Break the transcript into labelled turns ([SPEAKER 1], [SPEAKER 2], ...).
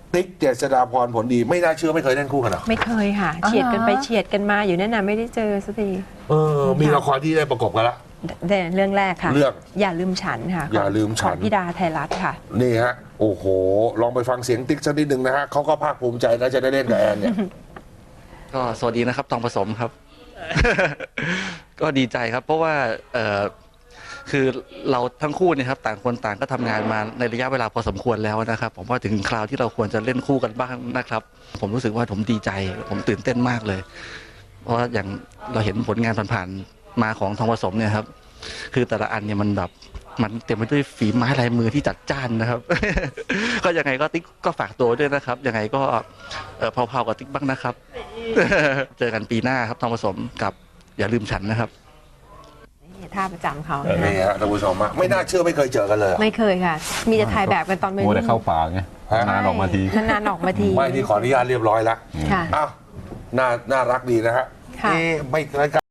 [SPEAKER 1] ติ๊กเจษฎาพรผลดีไม่น่าเชื่อไม่เคยเล่นคู่กันหรอ
[SPEAKER 2] ไม่เคยค่ะเฉียดกันไปเฉียดกันมาอยู่นั่นน่ะไม่ได้เจอสักที
[SPEAKER 1] มีละครที่ได้ประกบกันละ
[SPEAKER 2] แต่เรื่องแรกค่ะ
[SPEAKER 1] เรื่อง
[SPEAKER 2] อย่าลืมฉันค่ะ
[SPEAKER 1] อย่าลืมฉัน
[SPEAKER 2] ของพี่ดาไทยรัฐค่ะ
[SPEAKER 1] นี่ฮะโอ้โหลองไปฟังเสียงติ๊กสักนิดหนึ่งนะฮะเขาก็ภาคภูมิใจนะจะได้เล่นกับแอนเนี่ย
[SPEAKER 3] ก็สวัสดีนะครับทองผสมครับ ก็ดีใจครับเพราะว่าคือเราทั้งคู่เนี่ยครับต่างคนต่างก็ทำงานมาในระยะเวลาพอสมควรแล้วนะครับผมว่าถึงคราวที่เราควรจะเล่นคู่กันบ้างนะครับผมรู้สึกว่าผมดีใจผมตื่นเต้นมากเลยเพราะอย่างเราเห็นผลงานผ่านๆมาของทองผสมเนี่ยครับคือแต่ละอันเนี่ยมันแบบมันเต็มไปด้วยฝีไม้ลายมือที่จัดจ้านนะครับ ก็ยังไงก็ติ๊กก็ฝากตัวด้วยนะครับยังไงก็เผาๆกับติ๊กบ้างนะครับ เจอกันปีหน้าครับทองผสมกับอย่าลืมฉันนะครับ
[SPEAKER 2] ท่าประจำเขา
[SPEAKER 1] นี่ฮะท่านผู้ชมไม่น่าเชื่อไม่เคยเจอกันเลย
[SPEAKER 2] ไม่เคยค่ะมีจะถ่ายแบบกันตอนเป็น
[SPEAKER 4] โมได้เข้าป่าไงนานออกมาที
[SPEAKER 2] นานออกมาที
[SPEAKER 1] ไม่ที่ขออนุญาตเรียบร้อยแล้ว
[SPEAKER 2] ค่ะ
[SPEAKER 1] อ้าวน่ารักดีนะฮะไม่